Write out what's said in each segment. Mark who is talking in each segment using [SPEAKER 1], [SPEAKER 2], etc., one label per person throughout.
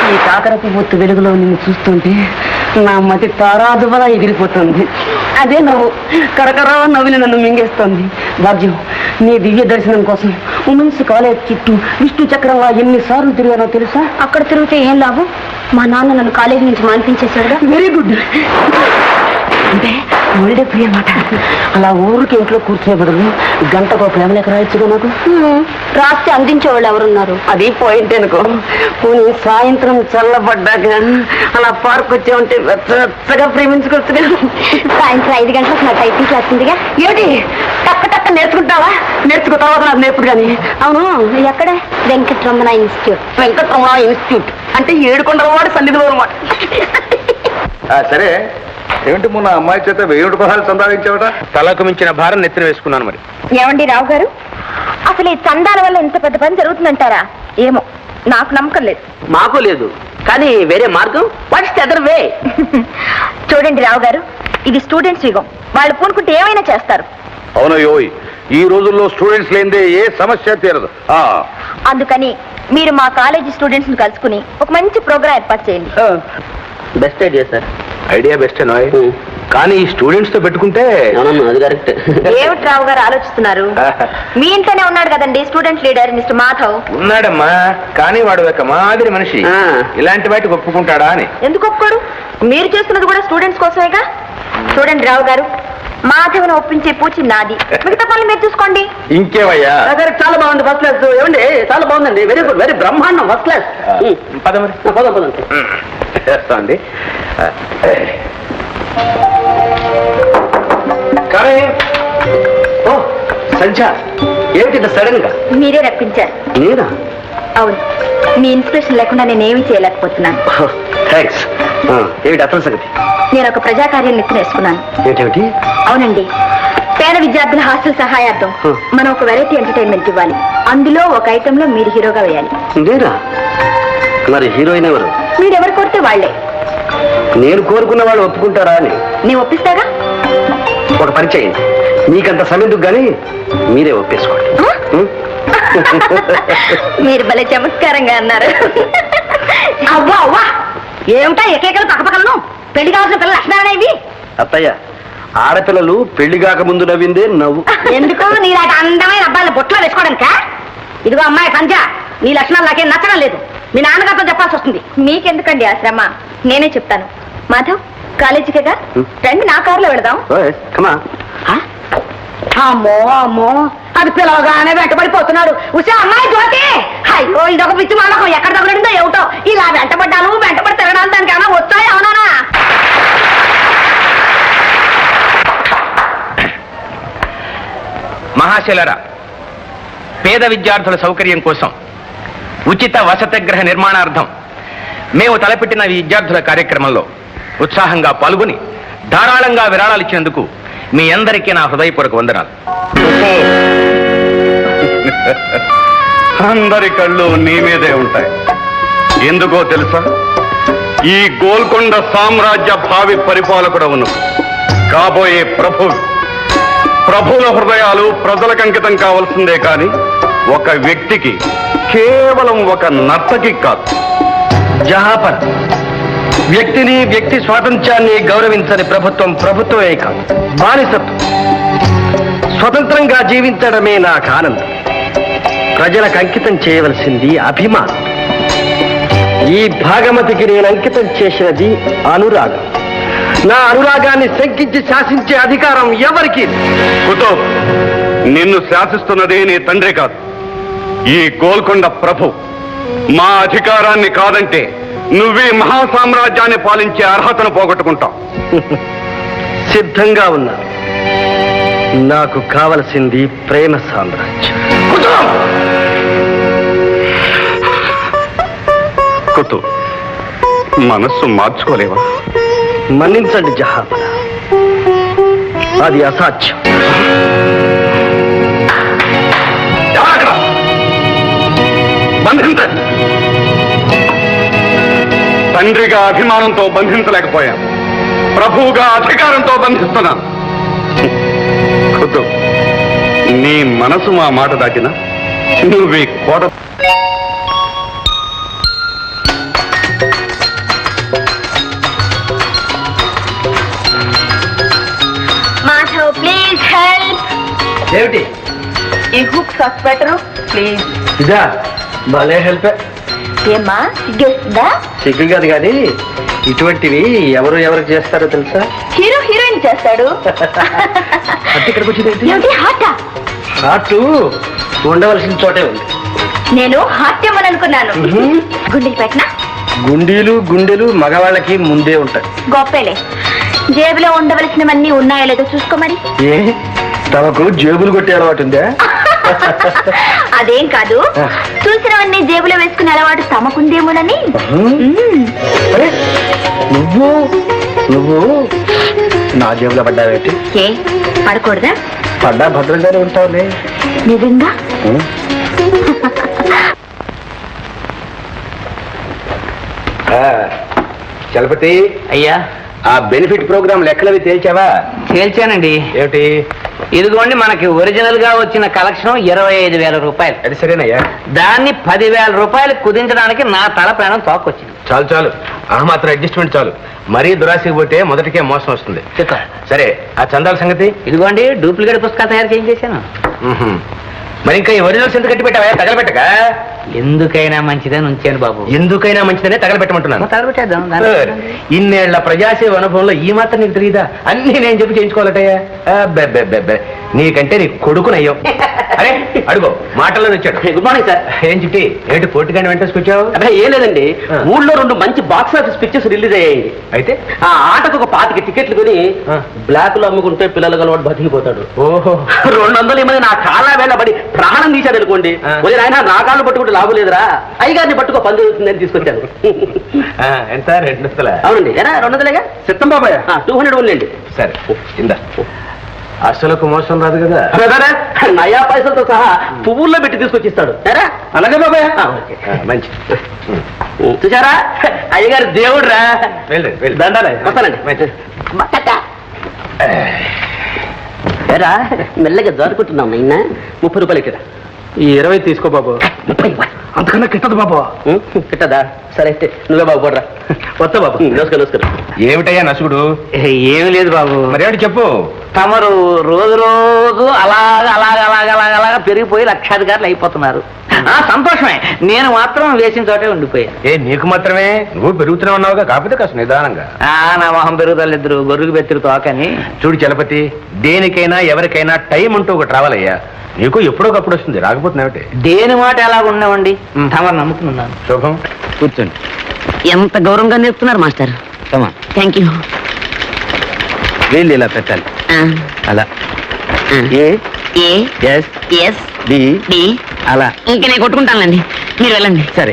[SPEAKER 1] ఈ కాకరపు బొత్తు వెలుగులో నిన్ను చూస్తుంటే నా మతి తారాదువలా ఎగిరిపోతుంది. అదే నవ్వు కరకరా నవ్వుని నన్ను మింగేస్తుంది. భాగ్యం, నీ దివ్య దర్శనం కోసం ఉమెన్స్ కాలేజ్ చుట్టూ విష్ణు చక్రంలా ఎన్నిసార్లు తిరిగానో తెలుసా?
[SPEAKER 2] అక్కడ తిరిగితే ఏం లాభం? మా నాన్న నన్ను కాలేజీ నుంచి మానిపించేశాడుగా.
[SPEAKER 1] Very good. అంటే ఒళ్ళే ప్రియ మాట. అలా ఊరికి ఇంట్లో కూర్చునే బదులు గంటకు ప్రేమలేక రాయొచ్చుగా నాకు.
[SPEAKER 2] రాస్తే అందించేవాళ్ళు ఎవరున్నారు?
[SPEAKER 1] అది పాయింట్ అనుకో. పోనీ సాయంత్రం చల్లబడ్డాక అలా పార్క్ వచ్చే ఉంటే వెచ్చగా ప్రేమించుకోవచ్చుగా.
[SPEAKER 2] సాయంత్రం 5 గంటలకు నా టైపింగ్ క్లాస్ ఉందిగా.
[SPEAKER 1] ఏమిటి టక్క టక్క నేర్చుకుంటావా? నేర్చుకుంటావా నాకు నేర్పుడు కానీ. అవును,
[SPEAKER 2] ఎక్కడ? వెంకటరమణ ఇన్స్టిట్యూట్.
[SPEAKER 1] వెంకటరమణ ఇన్స్టిట్యూట్ అంటే 7 కొండల వాడు సన్నిధిలో అనమాట.
[SPEAKER 3] సరే, ఏమిటి మొన్న అమ్మాయి చేత 1000 రూపాయలు సంపాదించావట?
[SPEAKER 4] తలకు మించిన భారం నెత్తిన వేసుకున్నాను. మరి
[SPEAKER 2] ఏమండి రావు గారు, అసలు ఈ చందాల వల్ల ఇంత పెద్ద పని జరుగుతుందంటారా? ఏమో, నాకు నమ్మకం లేదు.
[SPEAKER 1] మాకు లేదు, కానీ వేరే మార్గం. What's the other way?
[SPEAKER 2] చూడండి రావు గారు, ఇది స్టూడెంట్స్ యుగం. వాళ్ళు పూనుకుంటే ఏమైనా చేస్తారు.
[SPEAKER 3] అవునయ్యోయ్, ఈ రోజుల్లో స్టూడెంట్స్ లేనిదే ఏ సమస్య తీరదు.
[SPEAKER 2] అందుకని మీరు మా కాలేజీ స్టూడెంట్స్ ని కలుసుకుని ఒక మంచి ప్రోగ్రాం ఏర్పాటు చేయండి.
[SPEAKER 1] Best idea sir.
[SPEAKER 4] Idea best నాయ్, కానీ ఈ స్టూడెంట్స్ తో పెట్టుకుంటే.
[SPEAKER 1] అది కరెక్ట్.
[SPEAKER 2] ఏమిటి రావు గారు ఆలోచిస్తున్నారు? మీ ఇంట్లోనే ఉన్నాడు కదండి స్టూడెంట్ లీడర్ మిస్టర్ మాధవ్.
[SPEAKER 4] ఉన్నాడమ్మా, కానీ వాడు ఒక మాదిరి మనిషి. ఇలాంటి వాటికి ఒప్పుకుంటాడా అని.
[SPEAKER 2] ఎందుకు ఒప్పుకోడు? మీరు చేస్తున్నది కూడా స్టూడెంట్స్ కోసమేగా. చూడండి రావు గారు, మాధవ్ను ఒప్పించే పూచి నాది. మిగతా పనులు మీరు చూసుకోండి.
[SPEAKER 4] ఇంకేవయ్యా?
[SPEAKER 1] చాలా బాగుంది, ఫస్ట్ క్లాస్. ఏమండి, చాలా బాగుందండి. వెరీ గుడ్, వెరీ బ్రహ్మాండం, ఫస్ట్ క్లాస్. పదం
[SPEAKER 4] చేస్తా అండి.
[SPEAKER 1] సంధ్య, ఏమిటి సడన్ గా?
[SPEAKER 2] మీరే రప్పించారు.
[SPEAKER 1] నేనా?
[SPEAKER 2] అవును, మీ ఇన్స్పిరేషన్ లేకుండా నేనేమీ చేయలేకపోతున్నాను.
[SPEAKER 1] థ్యాంక్స్. ఏమిటి అసలు సంగతి?
[SPEAKER 2] నేను ఒక ప్రజాకార్యం నెత్తినేసుకున్నాను.
[SPEAKER 1] ఏంటేమిటి?
[SPEAKER 2] అవునండి, పేద విద్యార్థుల హాస్టల్ సహాయార్థం మనం ఒక వెరైటీ ఎంటర్టైన్మెంట్ ఇవ్వాలి. అందులో ఒక ఐటెంలో మీరు హీరోగా వేయాలి.
[SPEAKER 1] నేనా? మరి హీరోయిన్ ఎవరు?
[SPEAKER 2] మీరెవరు కోరితే వాళ్లే.
[SPEAKER 1] నేను కోరుకున్న వాళ్ళు ఒప్పుకుంటారా అని?
[SPEAKER 2] నేను ఒప్పిస్తాగా.
[SPEAKER 1] ఒక పని చేయండి, మీకంత సమయందుకు కానీ మీరే ఒప్పేసుకోండి.
[SPEAKER 2] మీరు భలే చమత్కారంగా అన్నారు. అవ్వా అవ్వా, ఏమిటా ఎకేకలు పక్కపక్కలను? పెళ్లి కావాల్సిన పిల్లలు లక్షణాలనే ఇవి.
[SPEAKER 1] అత్తయ్య, ఆడపిల్లలు పెళ్లి కాక ముందు నవ్విందే నవ్వు.
[SPEAKER 2] ఎందుకు నీలాంటి అందమైన అబ్బాయిల బొట్లో వేసుకోవడానికా? ఇదిగో అమ్మాయి సంజ, నీ లక్షణాలు నాకేం నచ్చడం లేదు. మీ నాన్నగారితో చెప్పాల్సి వస్తుంది. మీకెందుకండి ఆ శ్రమ? నేనే చెప్తాను. మాధవ్, కాలేజీకేగా రండి, నా కారులో వెళదాం. అమ్మో అమ్మో, అది పిలవగానే వెంటబడిపోతున్నాడు. ఉసే అమ్మాయి జ్యోతి, అయ్యో ఇదొక పిచ్చి మానకం. ఎక్కడ తగలడిందో ఏమిటో. ఇలా వెంటబడ్డాను, వెంటబడి తిరగడానికి దానికి ఏమైనా వచ్చాయి? అవునా?
[SPEAKER 4] మహాశైలరా, పేద విద్యార్థుల సౌకర్యం కోసం ఉచిత వసతిగృహ నిర్మాణార్థం మేము తలపెట్టిన ఈ విద్యార్థుల కార్యక్రమంలో ఉత్సాహంగా పాల్గొని ధారాళంగా విరాళాలు ఇచ్చినందుకు మీ అందరికీ నా హృదయపూర్వక వందనాలు.
[SPEAKER 3] అందరి కళ్ళు నీ మీదే ఉంటాయి. ఎందుకో తెలుసా? ఈ గోల్కొండ సామ్రాజ్య భావి పరిపాలకుడవును కాబోయే ప్రభువుల హృదయాలు ప్రజలకు అంకితం కావాల్సిందే కాని ఒక వ్యక్తికి, కేవలం ఒక నర్తకి కాదు.
[SPEAKER 1] జహాపర్, వ్యక్తిని, వ్యక్తి స్వాతంత్ర్యాన్ని గౌరవించని ప్రభుత్వమే కాదు, బానిసత్వం. స్వతంత్రంగా జీవించడమే నాకు ఆనందం. ప్రజలకు అంకితం చేయవలసింది అభిమానం. ఈ భాగమతికి నేను అంకితం చేసినది అనురాగం. నా అనురాగాన్ని శంకించి శాసించే అధికారం ఎవరికి?
[SPEAKER 3] కుతుబ్, నిన్ను శాసిస్తున్నది నీ తండ్రి కాదు, ఈ గోల్కొండ ప్రభు. మా అధికారాన్ని కాదంటే నువ్వే మహాసామ్రాజ్యాన్ని పాలించే అర్హతను పోగొట్టుకుంటావు.
[SPEAKER 1] సిద్ధంగా ఉన్నా. నాకు కావలసింది ప్రేమ సామ్రాజ్యం.
[SPEAKER 3] కుతుబ్, మనస్సు మార్చుకోలేవా?
[SPEAKER 1] మన్నించండి జహాపన, అది అసాధ్యం.
[SPEAKER 3] బంధించండి. తండ్రిగా అభిమానంతో బంధించలేకపోయాను, ప్రభువుగా అధికారంతో బంధిస్తున్నాను. కుతుబ్, నీ మనసు మా మాట దాటినా నువ్వే కోట
[SPEAKER 4] ఏమిటి
[SPEAKER 2] ఈ హుక్ సాస్ పెట్టరు ప్లీజ్.
[SPEAKER 4] ఇదా భలే హెల్ప్.
[SPEAKER 2] ఏమ్మా సిగ్గేస్తుందా?
[SPEAKER 4] సిగ్గు కాదు కానీ ఇటువంటివి ఎవరికి చేస్తారో తెలుసా?
[SPEAKER 2] హీరో హీరోయిన్ చేస్తాడు.
[SPEAKER 4] అంటే ఇక్కడికి వచ్చింది
[SPEAKER 2] ఏమిటి హార్టా?
[SPEAKER 4] హార్ట్ ఉండవలసిన చోటే ఉంది.
[SPEAKER 2] నేను హాస్యమని అనుకున్నాను. గుండెలు పెట్టినా?
[SPEAKER 4] గుండెలు మగవాళ్ళకి ముందే ఉంటాయి.
[SPEAKER 2] గొప్పలే. జేబులో ఉండవలసినవన్నీ ఉన్నాయో లేదో చూసుకో మరి.
[SPEAKER 4] ఏ తమకు జేబులు కొట్టే అలవాటు ఉందా?
[SPEAKER 2] అదేం కాదు, చూసినవన్నీ జేబులో వేసుకునే అలవాటు తమకుందేమోనని.
[SPEAKER 4] అరే నువ్వు నా జేబులో పడ్డావేంటి?
[SPEAKER 2] ఏ పడకూడదా?
[SPEAKER 4] పడ్డా భద్రంగానే ఉంటావులే.
[SPEAKER 2] నిజంగా?
[SPEAKER 4] చలపతి
[SPEAKER 5] అయ్యా,
[SPEAKER 4] ఆ బెనిఫిట్ ప్రోగ్రామ్ లెక్కలవి తేల్చావా?
[SPEAKER 5] తేల్చానండి.
[SPEAKER 4] ఏమిటి?
[SPEAKER 5] ఇదిగోండి మనకి ఒరిజినల్ గా వచ్చిన కలెక్షన్ 25,000 రూపాయలు.
[SPEAKER 4] అది సరేనయ్యా.
[SPEAKER 5] దాన్ని 10,000 రూపాయలు కుదించడానికి నా తల ప్రాణం తోకొచ్చింది.
[SPEAKER 4] చాలు ఆ మాత్రం అడ్జస్ట్మెంట్ చాలు. మరీ దురాశకి పోతే మొదటికే మోసం వస్తుంది. సరే ఆ చందాల సంగతి?
[SPEAKER 5] ఇదిగోండి డూప్లికేట్ పుస్తకాలు తయారు చేయించేశాను.
[SPEAKER 4] మరి ఇంకా ఈ ఒరిజినల్స్ ఎందుకు కట్టి పెట్టావా? తగలబెట్టక.
[SPEAKER 5] ఎందుకైనా మంచిదని ఉంచాను బాబు.
[SPEAKER 4] ఎందుకైనా మంచిదనే తగలబెట్టమంటున్నాను.
[SPEAKER 5] తగలబెట్టేద్దాం.
[SPEAKER 4] ఇన్నేళ్ల ప్రజాసేవ అనుభవంలో ఈ మాత్రం నీకు తెలియదా? అన్ని నేను చెప్పి చేయించుకోవాలటయ్యా. నీకంటే నీ కొడుకునయ్యో. అరే అడుగో మాటల్లో వచ్చాడు.
[SPEAKER 6] Good morning sir.
[SPEAKER 4] ఏం చిట్టి ఏంటి పోటీగానే వెంటేసుకొచ్చావు?
[SPEAKER 6] అదే ఏం లేదండి, ఊళ్ళో 2 మంచి బాక్స్ ఆఫీస్ పిక్చర్స్ రిలీజ్ అయ్యాయి.
[SPEAKER 4] అయితే
[SPEAKER 6] ఆ ఆటకు ఒక 25 టికెట్లు కొని బ్లాక్ లో అమ్ముకుంటే పిల్లలు గలవాడు బతికిపోతాడు.
[SPEAKER 4] ఓహో
[SPEAKER 6] 200 మంది నా కాళ్ళ వేళబడి ప్రాణం తీశాడు అనుకోండి. ఆయన నా కాళ్ళు పట్టుకుంటే లాభం లేదురా, అయ్యగారిని పట్టుకో పని జరుగుతుందని తీసుకొచ్చాను.
[SPEAKER 4] ఎంత 200?
[SPEAKER 6] అవునండి. ఎరా 200లేగా
[SPEAKER 4] చిత్తం బాబాయ్.
[SPEAKER 6] 200 ఉండండి.
[SPEAKER 4] సరే ఇందా. అసలుకు మోసం రాదు కదా?
[SPEAKER 6] నయా పైసలతో సహా పువ్వుల్లో పెట్టి తీసుకొచ్చిస్తాడు. ఎరా
[SPEAKER 4] అలాగే బాబాయ్.
[SPEAKER 6] మంచి చూసారా, అయ్యగారు దేవుడు రా.
[SPEAKER 4] వెళ్ళండి
[SPEAKER 6] దండాలే వస్తానండి. ఎరా మెల్లగా జారుకుంటున్నాం నిన్న 30 రూపాయలు ఇక్కడ.
[SPEAKER 4] ఈ 20 తీసుకో బాబు.
[SPEAKER 6] 30
[SPEAKER 4] అంతకన్నా కిట్టదు బాబు.
[SPEAKER 6] కిట్టదా? సరే అయితే నువ్వే బాబు పోడ్రా. వస్తా బాబు. నమస్కారం.
[SPEAKER 4] ఏమిటయ్యా నసుగుడు?
[SPEAKER 5] ఏమి లేదు బాబు.
[SPEAKER 4] మరేమిటి చెప్పు.
[SPEAKER 5] తమరు రోజు అలాగా పెరిగిపోయి లక్షాధికారులు అయిపోతున్నారు. సంతోషమే. నేను మాత్రం వేసిన చోటే ఉండిపోయాను.
[SPEAKER 4] నీకు మాత్రమే? నువ్వు పెరుగుతూనే ఉన్నావుగా, కాకపోతే కాస్త నిదానంగా.
[SPEAKER 5] నా మొహం పెరుగుదలిద్దరు గొర్రెకు బెత్తిరు తోకని.
[SPEAKER 4] చూడు చలపతి, దేనికైనా ఎవరికైనా టైం అంటూ ఒకటి రావాలయ్యా. నీకు ఎప్పుడోకప్పుడు వస్తుంది, రాకపోతున్నావుటే.
[SPEAKER 5] దేని మాట ఎలా ఉన్నామండి, తమరు నమ్ముకున్నాను.
[SPEAKER 4] శుభం.
[SPEAKER 5] కూర్చోండి.
[SPEAKER 1] ఎంత గౌరవంగా నేర్పుతున్నారు మాస్టర్. Thank you.
[SPEAKER 4] వీళ్ళు ఇలా పెట్టాలి. అలా
[SPEAKER 1] ఎస్
[SPEAKER 4] డి
[SPEAKER 1] డి
[SPEAKER 4] అలా.
[SPEAKER 1] ఇంకా నేను కొట్టుకుంటానులేండి, మీరు వెళ్ళండి.
[SPEAKER 4] సరే.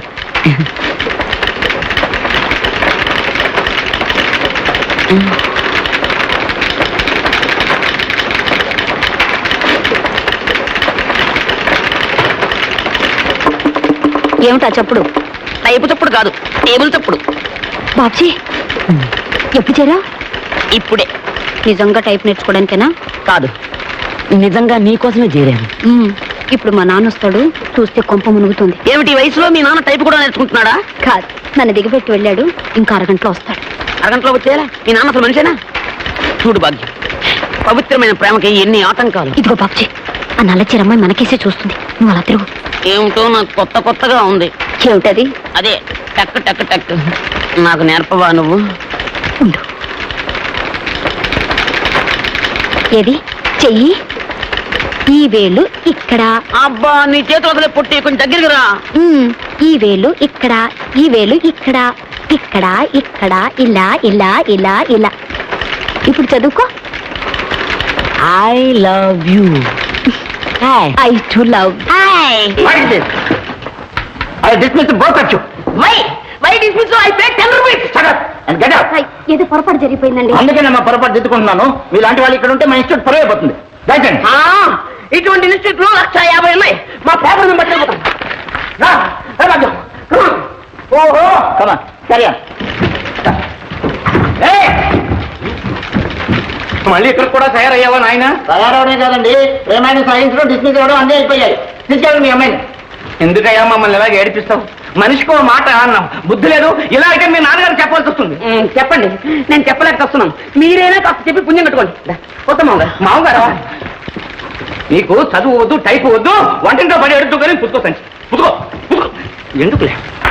[SPEAKER 2] ఏమిటా చప్పుడు?
[SPEAKER 1] టైపు చప్పుడు కాదు, టేబుల్ చప్పుడు.
[SPEAKER 2] బాబ్జీ ఎప్పుడు చేరా?
[SPEAKER 1] ఇప్పుడే.
[SPEAKER 2] నిజంగా టైప్ నేర్చుకోవడానికేనా?
[SPEAKER 1] కాదు, నిజంగా నీకోసమే చేరాను.
[SPEAKER 2] ఇప్పుడు మా నాన్న వస్తాడు, చూస్తే కొంప మునుగుతుంది.
[SPEAKER 1] ఏమిటి ఈ వయసులో మీ నాన్న టైపు కూడా నేర్చుకుంటున్నాడా?
[SPEAKER 2] కాదు, నన్ను దిగబెట్టి వెళ్ళాడు. ఇంకా అరగంటలో వస్తాడు.
[SPEAKER 1] అరగంటలో వచ్చేయాలా? మీ నాన్న అసలు మనిషేనా? చూడు భాగ్యం, పవిత్రమైన ప్రేమకి ఎన్ని ఆటంకాలు.
[SPEAKER 2] ఇదిగో బాబ్జీ, ఆ నల్ల చీరమ్మాయి మనకేసే చూస్తుంది. నువ్వు అలా తిరుగు.
[SPEAKER 1] ఏమిటో నాకు కొత్తగా ఉంది.
[SPEAKER 2] ఏమిటది?
[SPEAKER 1] అదే టక్ టక్ టక్. నాకు నేర్పవా నువ్వు?
[SPEAKER 2] ఉండు. ఏది చెయ్యి. ఈ వేలు ఇక్కడ.
[SPEAKER 1] అబ్బా నీ చేతులు వదిలే పుట్టి కొంచెం దగ్గరికి రా.
[SPEAKER 2] ఈ వేలు ఇక్కడ, ఈ వేలు ఇక్కడ, ఇక్కడ ఇక్కడ, ఇలా ఇలా ఇలా ఇలా. ఇప్పుడు చదువుకో.
[SPEAKER 1] I love you.
[SPEAKER 2] I too love. ఏదో పొరపాటు జరిగిపోయిందండి.
[SPEAKER 6] అందుకే మా పొరపాటు దిద్దుకుంటున్నాను. మీలాంటి వాళ్ళు ఇక్కడ ఉంటే మా ఇన్స్టిట్యూట్ పరువు అయిపోతుంది.
[SPEAKER 1] ఇటువంటి ఇన్స్టిట్యూట్లు 150 ఉన్నాయి. మా పేపర్ బట్టి
[SPEAKER 6] ఓహో కమా సరే.
[SPEAKER 4] మళ్ళీ ఇక్కడ కూడా తయారయ్యావా నాయన?
[SPEAKER 6] తయారవడే కాదండి, ప్రేమైన సైన్స్ లో డిస్మిస్ అవ్వడం అన్నీ అయిపోయాయి. తీసుకెళ్ళండి మీ అమ్మాయిని.
[SPEAKER 4] ఎందుకయ్యా మమ్మల్ని ఇలాగ ఏడిపిస్తావు? మనిషికో మాట అన్నాం, బుద్ధి లేదు. ఇలా అయితే మీ నాన్నగారు చెప్పాల్సి వస్తుంది.
[SPEAKER 1] చెప్పండి, నేను చెప్పలేక వస్తున్నాను. మీరైనా కాస్త చెప్పి పుణ్యం కట్టుకోండి.
[SPEAKER 4] మామగారు
[SPEAKER 6] నీకు చదువు వద్దు టైపు వద్దు వంటింట్లో పడి ఎడుతూ కానీ పుట్టుకో సంచి పుట్టుకో పుట్టుకో ఎందుకులే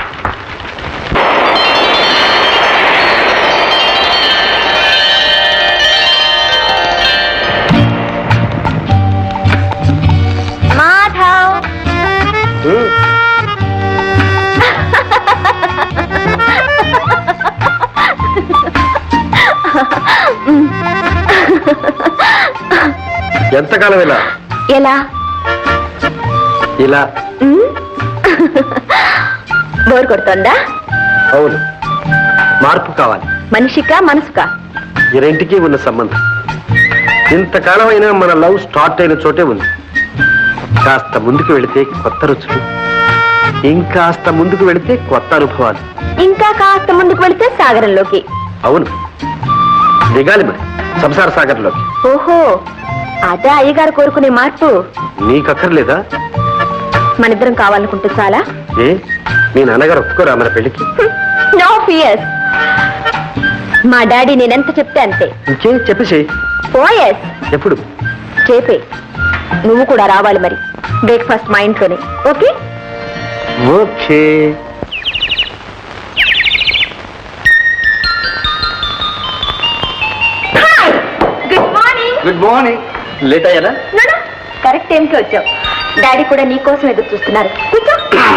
[SPEAKER 2] మాధవ్
[SPEAKER 3] ఎంతకాలం ఇలా
[SPEAKER 2] ఎలా
[SPEAKER 3] ఇలా
[SPEAKER 2] బోర్ కొడుతోందా?
[SPEAKER 3] అవును, మార్పు కావాలి.
[SPEAKER 2] మనిషికా మనసుకా?
[SPEAKER 3] ఈ రెంటికి ఉన్న సంబంధం ఇంతకాలం అయినా మన లవ్ స్టార్ట్ అయిన చోటే ఉంది. కాస్త ముందుకు వెళితే కొత్త రుచులు, ఇంకాస్త ముందుకు వెళితే కొత్త అనుభవాలు.
[SPEAKER 2] ఇంకా కాస్త ముందుకు వెళితే సాగరంలోకి.
[SPEAKER 3] అవును, దిగాలి మరి సంసార సాగర్లోకి.
[SPEAKER 2] ఓహో, అదే అయ్యగారు కోరుకునే మార్పు.
[SPEAKER 3] నీకక్కర్లేదా?
[SPEAKER 2] మనిద్దరం కావాలనుకుంటే చాలా.
[SPEAKER 3] ఏ మీ నాన్నగారు ఒప్పుకోరా మన పెళ్లికి?
[SPEAKER 2] No fears. మా డాడీ నేనెంత చెప్తే అంతే.
[SPEAKER 3] ఇంకే చెప్పేసేయ్.
[SPEAKER 2] ఓఎస్.
[SPEAKER 3] ఎప్పుడు?
[SPEAKER 2] చేపే. నువ్వు కూడా రావాలి మరి. బ్రేక్ఫాస్ట్ మా ఇంట్లోనే. Okay?
[SPEAKER 3] Okay.
[SPEAKER 2] Good morning.
[SPEAKER 3] Good morning. Late అయ్యారా?
[SPEAKER 2] కరెక్ట్ టైంకి వచ్చావు. డాడీ కూడా నీ కోసం ఎదురు చూస్తున్నారు.